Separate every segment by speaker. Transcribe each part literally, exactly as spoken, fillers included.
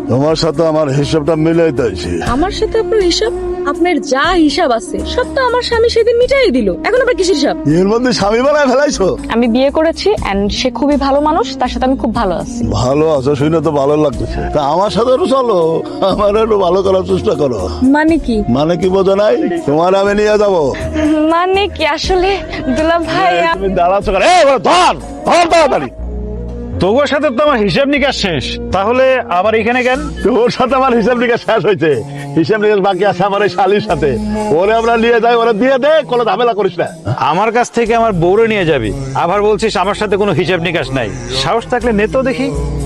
Speaker 1: তোমার সাথে আমার হিসাবটা মিলাই দিয়েছি।
Speaker 2: আমার সাথে আপনার হিসাব? আপনার যা হিসাব আছে সব তো আমার স্বামী সেদিন মিটাই দিল, এখন আবার কিসের হিসাব?
Speaker 1: এর মধ্যে স্বামী বানায় ফেলাইছো?
Speaker 2: আমি বিয়ে করেছি এন্ড সে খুবই ভালো মানুষ, তার সাথে আমি খুব ভালো আছি।
Speaker 1: ভালো আছো শুনে তো ভালো লাগতেছে, তা আমার সাথে একটু চলো, আমার একটু ভালো করার চেষ্টা করো।
Speaker 2: মানে কি?
Speaker 1: মানে কি বোঝো নাই? তোমার আমি নিয়ে যাবো।
Speaker 2: মানে কি আসলে দুলা ভাই?
Speaker 1: তুমি দাঁড়াচ্ছ কেন? এই ধর ধর তাড়াতাড়ি।
Speaker 3: তোর সাথে তো আমার হিসাব নিকাশ শেষ, তাহলে আবার এখানে কেন?
Speaker 1: তোর সাথে আমার হিসাব নিকাশ শেষ হয়েছে, হিসাব নিকাশ বাকি আছে আমার এই শালির সাথে। ওরে আমরা নিয়ে যাই, ওরা দিয়ে দে, কোনো ঝামেলা করিস না।
Speaker 3: আমার কাছ থেকে আমার বউরে নিয়ে যাবি, আবার বলছিস আমার সাথে কোনো হিসাব নিকাশ নাই। সাহস থাকলে নে তো দেখি।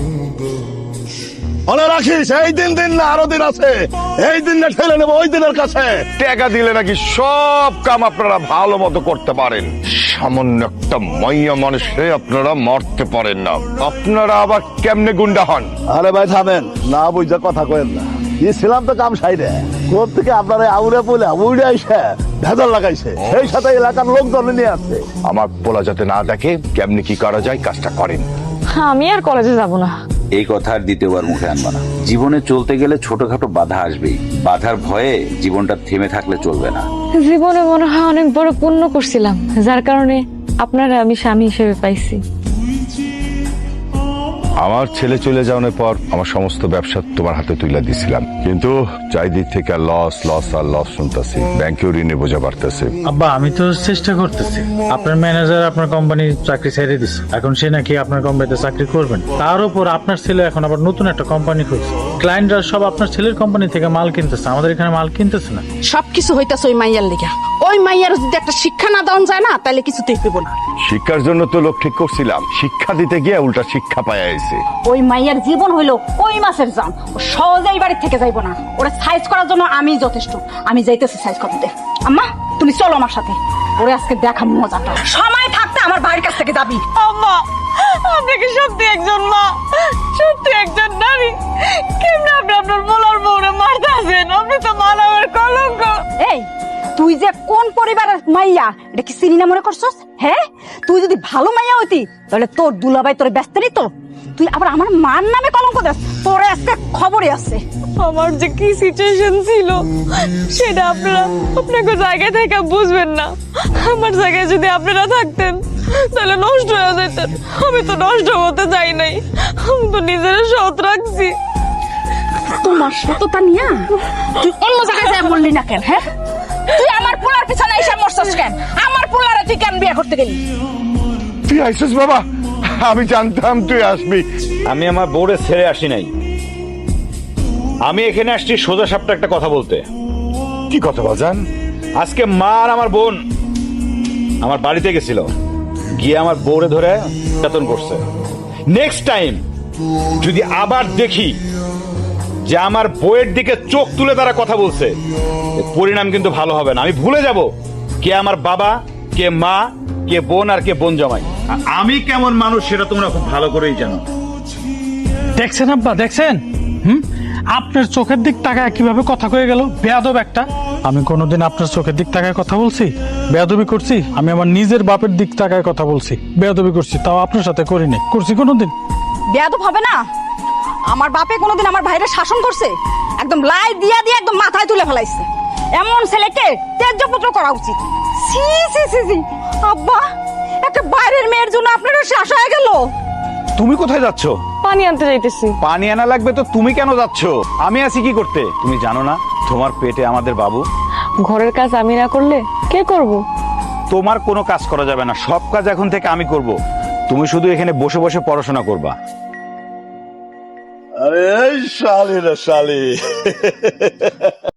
Speaker 1: ওরা রাখিস, এই দিন দিন না আরো দিন আছে, এই দিন না ঠেলে নেবো ওই দিনের কাছে।
Speaker 4: টাকা দিলে নাকি সব কাম আপনারা ভালো মতো করতে পারেন, সামান্য একটা মাইয়া মানুষে আপনারা মারতে পারেন না। আপনারা আবার কেমনে গুন্ডা হন?
Speaker 1: আরে ভাই থামেন, না বুঝা কথা কয়েন না। ছিলাম তো কাম সাইডে, কোথ থেকে আপনারা আউড়ে বলে উড়ে আইসে ভেজাল লাগাইছে, সেই সাথে এলাকার লোকজন নিয়ে আসছে।
Speaker 4: আমার পোলা যাতে না দেখে কেমনে কি করা যায় কাজটা করেন।
Speaker 2: আমি আর কলেজে যাব না।
Speaker 5: এই কথা আর দ্বিতীয়বার মুখে আনবা না। জীবনে চলতে গেলে ছোটখাটো বাধা আসবেই, বাধার ভয়ে জীবনটা থেমে থাকলে চলবে না।
Speaker 2: জীবনে মনে হয় অনেক বড় পুণ্য করছিলাম, যার কারণে আপনারা আমি স্বামী হিসেবে পাইছি।
Speaker 4: আমার ছেলে চলে যাওয়ার পর আমার সমস্ত ব্যবসা তোমার হাতে তুলে দিছিলাম, কিন্তু চারিদিক থেকে লস লস আর লস শুনতেছি, ব্যাংকেও ঋণে বোঝা বাড়তেছে।
Speaker 3: আব্বা আমি তো চেষ্টা করতেছি, আপনার ম্যানেজার আপনার কোম্পানির চাকরি ছেড়ে দিচ্ছে, এখন সে নাকি আপনার কোম্পানিতে চাকরি করবেন। তার উপর আপনার ছেলে এখন আবার নতুন একটা কোম্পানি খুলছে, ক্লায়েন্টরা সব আপনার ছেলের কোম্পানি থেকে মাল কিনতেছে, আমাদের এখানে মাল কিনতেছে না।
Speaker 6: সবকিছু হইতাছে ওই মাইয়ার লিগা। ওই মাইয়ার যদি একটা শিক্ষা না দেওয়া যায় না, তাহলে কিছুতেই পেব না।
Speaker 4: শিক্ষার জন্য তো লোক ঠিক করছিলাম, শিক্ষা দিতে গিয়ে উল্টা শিক্ষা পাইয়া গেছে।
Speaker 6: ওই মাইয়ার জীবন হইলো ওই মাছের জাম, ও সহজেই বাড়ি থেকে যাইবো না। ওরা সাইজ করার জন্য আমি যথেষ্ট, আমি যাইতেছি সাইজ করতে। আম্মা তুমি চলো আমার সাথে, ওরে আজকে দেখা মজাটা। সময় থাকতে আমার বাড়ির কাছ থেকে যাবি।
Speaker 2: আম্মা আপনি কি সত্যি একজন মা, সত্যি একজন নারী? কেমন আপনি আপনার বলার বউরে মারতেছেন? আপনি তো মানবের কলঙ্ক।
Speaker 6: এই তুই যে কোন পরিবারের মাইয়া এটা কি চিনি না মনে করছস? হ্যাঁ, তুই যদি ভালো মাইয়া হইতি তাহলে তোর দুলাভাই তোর ব্যস্ত নিত। তুই আবার আমার মার নামে কলঙ্ক দেস, তোর আজকে খবরই আছে।
Speaker 2: আমার যে কি সিচুয়েশন ছিল সেটা আপনারা আপনাকে জায়গায় থেকে বুঝবেন না। আমার জায়গায় যদি আপনারা থাকতেন তাহলে নষ্ট হয়ে যেতেন। আমি তো নষ্ট হতে চাই নাই, আমি তো নিজের সৎ রাখছি।
Speaker 6: তোমার সততা নিয়া তুই অন্য জায়গায় যায় বললি না কেন? হ্যাঁ, তুই আমার পোলার পিছনে এসে মরছস কেন? আমার পোলারে তুই কেন বিয়ে করতে গেলি?
Speaker 4: তুই আইসিস বাবা, আমি জানতাম তুই আসবি।
Speaker 3: আমি আমার বউরে ছেড়ে আসি নাই, আমি এখানে আসছি সোজা সাপটা একটা কথা বলতে।
Speaker 4: কি কথা বাজান?
Speaker 3: আজকে মা আর আমার বোন আমার বাড়িতে গেছিল, গিয়ে আমার বউরে ধরে বেতন করছে। নেক্সট টাইম যদি আবার দেখি যে আমার বউয়ের দিকে চোখ তুলে তারা কথা বলছে, এর পরিণাম কিন্তু ভালো হবে না। আমি ভুলে যাব কে আমার বাবা, কে মা, কে বোন আর কে বোন জামাই। আর আমি কেমন মানুষ সেটা তোমরা খুব ভালো করেই জানো।
Speaker 7: দেখছেন আব্বা, দেখছেন? হুম, আপনার চোখের দিক তাকায় কিভাবে কথা কয়ে গেল, বেয়াদব একটা। আমি কোনোদিন আপনার চোখের দিক তাকায় কথা বলছি? বেয়াদবি করছি? আমি আমার নিজের বাপের দিক তাকায় কথা বলছি, বেয়াদবি করছি, তাও আপনার সাথে করিনি। করছি কোনোদিন?
Speaker 6: বেয়াদব হবে না? আমার বাপে কোনোদিন আমার ভাইরে শাসন করছে? একদম লাই দিয়া দিয়ে একদম মাথায় তুলে ফেলাইছে। এমন ছেলেকে ত্যায্যপুত্র করা উচিত। সি সি সি সি আব্বা, একটা বাইরের মেয়ের জন্য আপনারও শ্বাস হয়ে গেল।
Speaker 3: তুমি কোথায় যাচ্ছ?
Speaker 2: পানি আনতে যাইতেছি।
Speaker 3: পানি আনা লাগবে তো তুমি কেন যাচ্ছ? আমি আছি কি করতে? তুমি জানো না তোমার পেটে আমাদের বাবু?
Speaker 2: ঘরের কাজ আমি না করলে কে করব?
Speaker 3: তোমার কোনো কাজ করা যাবে না, সব কাজ এখন থেকে আমি করব। তুমি শুধু এখানে বসে বসে পড়াশোনা করবা।
Speaker 1: আরে এই শালি রে শালি